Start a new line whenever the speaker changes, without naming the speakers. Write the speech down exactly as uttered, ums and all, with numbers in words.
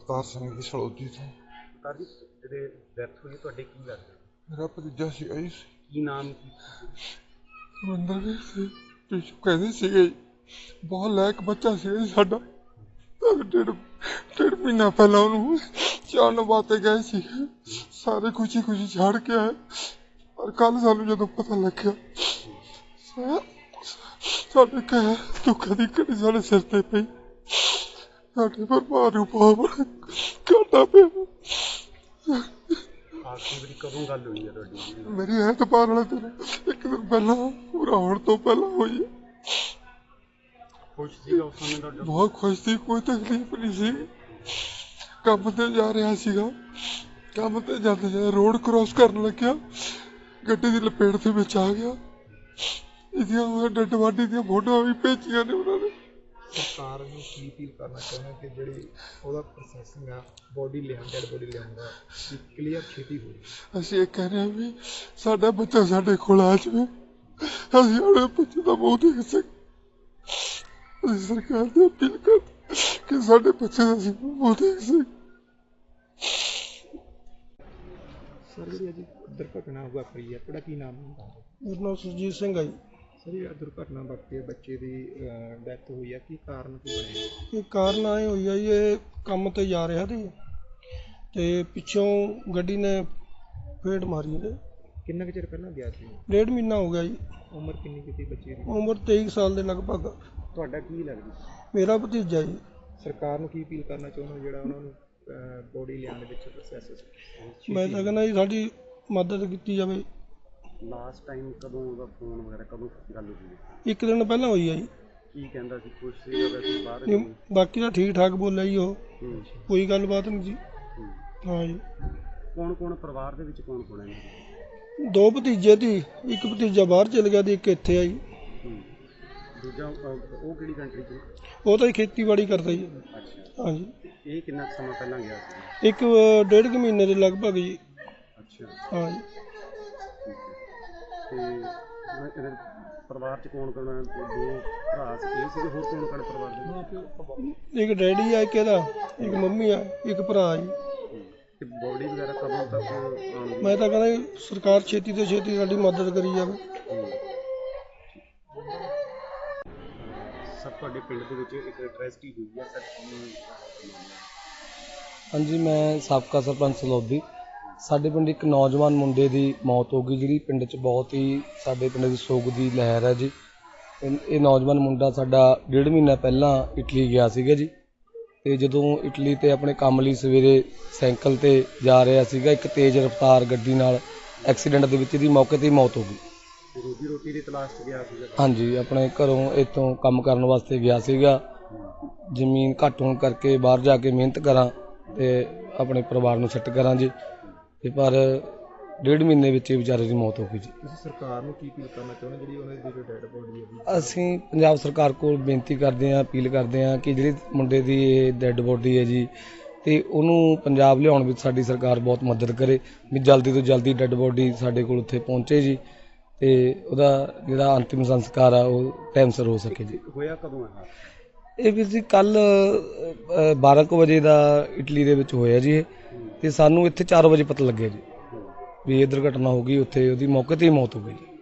अवतार सिंह जी सड़ौदी तो।
अवतार जी ਜਿਹੜੇ ਡੈਥ ਹੋਈ ਤੁਹਾਡੇ ਕੀ ਲੱਗਦਾ?
मेरा भतीजा सी आई
ਕੀ ਨਾਮ ਕੀ?
रविंदर सी पिछू कहते सी बहुत लैक बच्चा सी साडा। डेढ़ डेढ़ महीना पहला उन्होंने चार बातें गए सी, सारे खुशी खुशी छाड़ के आए। पर कल सानू जो पता लग्या साढ़े कह दुखा की घड़ी साढ़े सिर ते पई, साढ़े परिवार नूं बहुत बड़ा घाटा पिया।
ਆਖਰੀ ਵਾਰੀ ਕਦੋਂ ਗੱਲ ਹੋਈ ਹੈ ਤੁਹਾਡੀ?
मेरी ऐतबार वाले दिन एक दिन पहला पूरा होने तो पहला हुई है।
खुश ਸੀਗਾ ਉਸ ਸਮੇਂ ਤੁਹਾਡਾ?
बहुत खुश थी, कोई तकलीफ नहीं सी। काम ते जा रहा सीगा, काम ते जाते जाते रोड क्रॉस करन लग्या, गड्डी दी लपेट दे विच आ गया। इहदियां डैड बॉडी दी फोटोआं भी भेजियां ने उन्हां ने।
ਸਰਕਾਰ ਨੂੰ ਕੀ ਅਪੀਲ ਕਰਨਾ ਚਾਹੁੰਦੇ ਕਿ ਜਿਹੜੀ ਉਹਦਾ ਪ੍ਰੋਸੈਸਿੰਗ ਆ ਬੋਡੀ ਲਿਆਉਣ ਡੈਡ ਬੋਡੀ ਲਿਆਉਣ ਦਾ ਕਲੀਅਰ ਛੇਤੀ ਹੋ ਜਾਵੇ।
ਅਸੀਂ ਇਹ ਕਹਿ ਰਹੇ ਹਾਂ ਵੀ ਸਾਡਾ ਬੱਚਾ ਸਾਡੇ ਕੋਲ ਆ ਜਾਵੇ, ਅਸੀਂ ਆਪਣੇ ਬੱਚੇ ਦਾ ਮੂੰਹ ਦੇਖ ਸਕੀਏ। ਅਸੀਂ ਸਰਕਾਰ ਦੀ ਅਪੀਲ ਕਰਦੇ ਕਿ ਸਾਡੇ ਬੱਚੇ ਦਾ ਅਸੀਂ ਮੂੰਹ ਦੇਖ ਸਕੀਏ।
ਸਰ ਜਿਹੜੀ ਅੱਜ ਦੁਰਘਟਨਾ ਵਾਪਰੀ ਹੈ ਤੁਹਾਡਾ ਕੀ ਨਾਮ ਹੈ?
ਮੇਰਾ ਨਾਮ ਸੁਰਜੀਤ ਸਿੰਘ ਹੈ ਜੀ।
ਸਰ ਇਹ ਦੁਰਘਟਨਾ ਵਾਪਰੀ ਬੱਚੇ ਦੀ ਡੈਥ ਹੋਈ ਹੈ, ਕੀ ਕਾਰਨ ਕੀ ਬਣਿਆ?
ਇਹ ਕਾਰਨ ਆਏ ਹੋਈ ਆ ਜੀ, ਇਹ ਕੰਮ ਤੇ ਜਾ ਰਿਹਾ ਸੀ ਤੇ ਪਿੱਛੋਂ ਗੱਡੀ ਨੇ ਫੇਟ ਮਾਰੀ ਇਹਦੇ।
ਕਿੰਨਾ ਕੁ ਚਿਰ ਪਹਿਲਾਂ ਗਿਆ ਸੀ?
ਡੇਢ ਮਹੀਨਾ ਹੋ ਗਿਆ ਜੀ।
ਉਮਰ ਕਿੰਨੀ ਕੀਤੀ ਬੱਚੇ ਦੀ?
ਉਮਰ ਤੇਈ ਸਾਲ ਦੇ ਲਗਭਗ।
ਤੁਹਾਡਾ ਕੀ ਲੱਗਦਾ?
ਮੇਰਾ ਭਤੀਜਾ ਜੀ।
ਸਰਕਾਰ ਨੂੰ ਕੀ ਅਪੀਲ ਕਰਨਾ ਚਾਹੁੰਦੇ ਹੋ ਜਿਹੜਾ ਉਹਨਾਂ ਨੂੰ ਬੋਡੀ ਲਿਆਉਣ ਦੇ ਵਿੱਚ ਪ੍ਰੋਸੈਸ?
ਮੈਂ ਤਾਂ ਕਹਿੰਦਾ ਜੀ ਸਾਡੀ ਮਦਦ ਕੀਤੀ ਜਾਵੇ।
ਲਾਸਟ ਟਾਈਮ ਕਦੋਂ ਉਹਦਾ ਫੋਨ ਵਗੈਰਾ ਕਦੋਂ ਗੱਲ ਹੋਈ?
ਇੱਕ ਦਿਨ ਪਹਿਲਾਂ ਹੋਈ ਆ ਜੀ।
ਕੀ ਕਹਿੰਦਾ ਸੀ? ਖੁਸ਼ ਸੀ ਵੈਸੇ ਬਾਹਰ?
ਨਹੀਂ, ਬਾਕੀ ਤਾਂ ਠੀਕ ਠਾਕ ਬੋਲਿਆ ਜੀ, ਉਹ ਕੋਈ ਗੱਲਬਾਤ ਨਹੀਂ ਜੀ। ਹਾਂ ਜੀ।
ਕੌਣ ਕੌਣ ਪਰਿਵਾਰ ਦੇ ਵਿੱਚ ਕੌਣ ਕੌਣ ਹੈ?
ਦੋ ਭਤੀਜੇ ਸੀ, ਇੱਕ ਭਤੀਜਾ ਬਾਹਰ ਚਲ ਗਿਆ ਤੇ ਇੱਕ ਇੱਥੇ ਆ ਜੀ।
ਦੂਜਾ ਉਹ ਕਿਹੜੀ ਕੰਟਰੀ 'ਚ?
ਉਹ ਤਾਂ ਖੇਤੀਬਾੜੀ ਕਰਦਾ ਜੀ।
ਅੱਛਾ।
ਹਾਂਜੀ।
ਇਹ ਕਿੰਨਾ ਸਮਾਂ ਪਹਿਲਾਂ ਗਿਆ ਸੀ?
ਇੱਕ ਡੇਢ ਕੁ ਮਹੀਨੇ ਦੇ ਲਗਭਗ ਜੀ।
ਅੱਛਾ।
ਹਾਂ ਜੀ।
ਤੇ ਪਰਿਵਾਰ 'ਚ ਕੌਣ ਕੌਣ? ਦੋ ਭਰਾ ਸੀ, ਇਹ ਸੀਗੇ, ਹੋਰ ਕੌਣ ਕੌਣ ਪਰਿਵਾਰ ਦੇ?
ਇੱਕ ਡੈਡੀ ਆ, ਇੱਕ ਇਹਦਾ, ਇੱਕ ਮੰਮੀ ਆ, ਇੱਕ ਭਰਾ ਜੀ।
ਤੇ ਬੋਡੀ ਵਗੈਰਾ ਕਦੋਂ ਤੱਕ ਆਉਣਗੀ?
ਮੈਂ ਤਾਂ ਕਹਿੰਦਾ ਜੀ ਸਰਕਾਰ ਛੇਤੀ ਤੋਂ ਛੇਤੀ ਸਾਡੀ ਮਦਦ ਕਰੀ ਜਾਵੇ।
ਸਰ ਤੁਹਾਡੇ ਪਿੰਡ ਦੇ ਵਿੱਚ ਇੱਕ ਟ੍ਰੈਜਡੀ ਹੋਈ ਹੈ ਸਰ?
ਹਾਂਜੀ, ਮੈਂ ਸਾਬਕਾ ਸਰਪੰਚ ਸਲੌਦੀ। ਸਾਡੇ ਪਿੰਡ ਇੱਕ ਨੌਜਵਾਨ ਮੁੰਡੇ ਦੀ ਮੌਤ ਹੋ ਗਈ, ਜਿਹੜੀ ਪਿੰਡ 'ਚ ਬਹੁਤ ਹੀ ਸਾਡੇ ਪਿੰਡ ਦੀ ਸੋਗ ਦੀ ਲਹਿਰ ਹੈ ਜੀ। ਇਹ ਨੌਜਵਾਨ ਮੁੰਡਾ ਸਾਡਾ ਡੇਢ ਮਹੀਨਾ ਪਹਿਲਾਂ ਇਟਲੀ ਗਿਆ ਸੀਗਾ ਜੀ, ਅਤੇ ਜਦੋਂ ਇਟਲੀ 'ਤੇ ਆਪਣੇ ਕੰਮ ਲਈ ਸਵੇਰੇ ਸਾਈਕਲ 'ਤੇ ਜਾ ਰਿਹਾ ਸੀਗਾ, ਇੱਕ ਤੇਜ਼ ਰਫ਼ਤਾਰ ਗੱਡੀ ਨਾਲ ਐਕਸੀਡੈਂਟ ਦੇ ਵਿੱਚ ਇਹਦੀ ਮੌਕੇ 'ਤੇ ਹੀ ਮੌਤ ਹੋ ਗਈ।
ਰੋਜੀ ਰੋਟੀ ਦੀ ਤਲਾਸ਼ 'ਚ ਗਿਆ ਸੀਗਾ?
ਹਾਂਜੀ, ਆਪਣੇ ਘਰੋਂ ਇੱਥੋਂ ਕੰਮ ਕਰਨ ਵਾਸਤੇ ਗਿਆ ਸੀਗਾ। ਜ਼ਮੀਨ ਘੱਟ ਹੋਣ ਕਰਕੇ ਬਾਹਰ ਜਾ ਕੇ ਮਿਹਨਤ ਕਰਾਂ ਅਤੇ ਆਪਣੇ ਪਰਿਵਾਰ ਨੂੰ ਸੈੱਟ ਕਰਾਂ ਜੀ, ਅਤੇ ਪਰ ਡੇਢ ਮਹੀਨੇ ਵਿੱਚ ਹੀ ਵਿਚਾਰੇ ਦੀ ਮੌਤ ਹੋ ਗਈ ਜੀ।
ਤੁਸੀਂ ਸਰਕਾਰ ਨੂੰ ਕੀ ਅਪੀਲ ਕਰਨਾ ਚਾਹੁੰਦੇ ਜਿਹੜੀ ਉਹਨਾਂ ਦੀ ਜੋ ਡੈਡ ਬੋਡੀ ਹੈ?
ਅਸੀਂ ਪੰਜਾਬ ਸਰਕਾਰ ਕੋਲ ਬੇਨਤੀ ਕਰਦੇ ਹਾਂ, ਅਪੀਲ ਕਰਦੇ ਹਾਂ ਕਿ ਜਿਹੜੀ ਮੁੰਡੇ ਦੀ ਇਹ ਡੈਡ ਬੋਡੀ ਹੈ ਜੀ, ਅਤੇ ਉਹਨੂੰ ਪੰਜਾਬ ਲਿਆਉਣ ਵਿੱਚ ਸਾਡੀ ਸਰਕਾਰ ਬਹੁਤ ਮਦਦ ਕਰੇ ਵੀ ਜਲਦੀ ਤੋਂ ਜਲਦੀ ਡੈਡ ਬੋਡੀ ਸਾਡੇ ਕੋਲ ਉੱਥੇ ਪਹੁੰਚੇ ਜੀ, ਅਤੇ ਉਹਦਾ ਜਿਹੜਾ ਅੰਤਿਮ ਸੰਸਕਾਰ ਆ ਉਹ ਟਾਈਮ ਸਿਰ ਹੋ ਸਕੇ ਜੀ।
ਹੋਇਆ ਕਦੋਂ ਹੈ
ਇਹ ਵੀ ਜੀ ਕੱਲ੍ਹ ਬਾਰਾਂ ਕੁ ਵਜੇ ਦਾ ਇਟਲੀ ਦੇ ਵਿੱਚ ਹੋਇਆ ਜੀ ਇਹ, ਅਤੇ ਸਾਨੂੰ ਇੱਥੇ ਚਾਰ ਵਜੇ ਪਤਾ ਲੱਗਿਆ ਜੀ ਵੀ ਇਹ ਦੁਰਘਟਨਾ ਹੋ ਗਈ। ਉੱਥੇ ਉਹਦੀ ਮੌਕੇ 'ਤੇ ਹੀ ਮੌਤ ਹੋ ਗਈ ਜੀ।